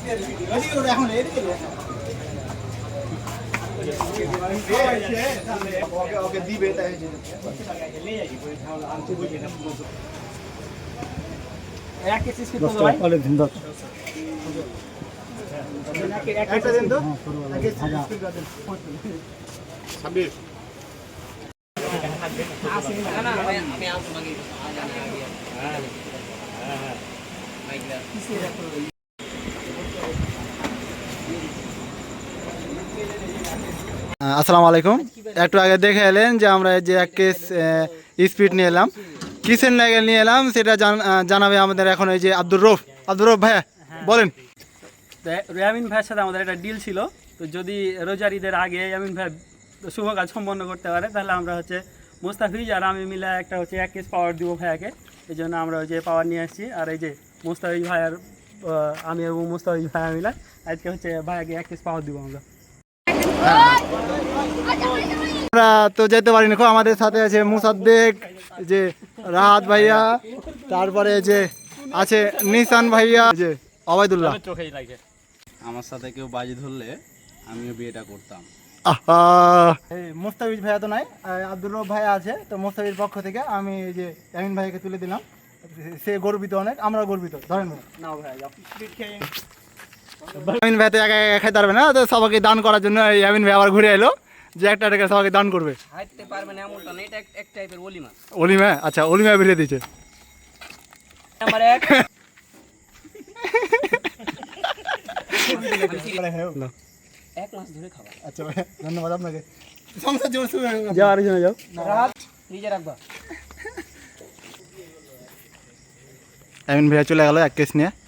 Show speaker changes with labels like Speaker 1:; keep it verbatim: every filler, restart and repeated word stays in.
Speaker 1: আসসালামু আলাইকুম। একটু আগে দেখে এলেন যে আমরা যে এক কেস স্পিড নিয়ে এলাম, কিসের লাগে নিয়ে এলাম সেটা জানাবে আমাদের এখন এই যে আব্দুর রৌফ। আব্দুর রৌফ ভাইয়া বলেন।
Speaker 2: ইয়ামিন ভাইয়ের সাথে আমাদের একটা ডিল ছিল, তো যদি রোজার ঈদের আগে ইয়ামিন ভাই শুভ কাজ সম্পন্ন করতে পারে তাহলে আমরা হচ্ছে মুস্তাফিজ আর আমি মিলে একটা হচ্ছে এক কেস পাওয়ার দিব ভাইয়াকে। এই জন্য আমরা ওই যে পাওয়ার নিয়ে আসছি। আর এই যে মুস্তাফিজ ভাইয়ার আমি এবং মুস্তাফিজ ভাইয়া মিলে আজকে হচ্ছে ভাইয়াকে এক কেস পাওয়ার দিব আমরা।
Speaker 1: আমরা তো যেতে পারিনি, খুব আমাদের সাথে আছে মুসাদ্দেক, যে রাহাত ভাইয়া, তারপরে যে আছে নিসান ভাইয়া, যে অবাইদুল্লাহ।
Speaker 3: আমার সাথে কেউ বাজি ধরলে আমিও বিয়েটা করতাম।
Speaker 1: মুস্তাফিজ ভাইয়া তো নাই, আব্দুর রৌফ ভাইয়া আছে, তো মুস্তাফিজ পক্ষ থেকে আমি এই যে ইয়ামিন ভাইকে তুলে দিলাম। সে গর্বিত অনেক, আমরা গর্বিত। ধরেন ইয়ামিন ভাই তো একা একা খাইতে পারবে না, তো সবাইকে দান করার জন্য ইয়ামিন ভাই আবার ঘুরে এলো যে একটা টাকা সবাইকে দান করবে। অলিমা, আচ্ছা অলিমা বেরিয়ে দিচ্ছে। আচ্ছা ভাই ধন্যবাদ আপনাকে। যাও আরেকজনে যাও, ইয়ামিন ভাইয়া চলে গেল এক কেস নিয়ে।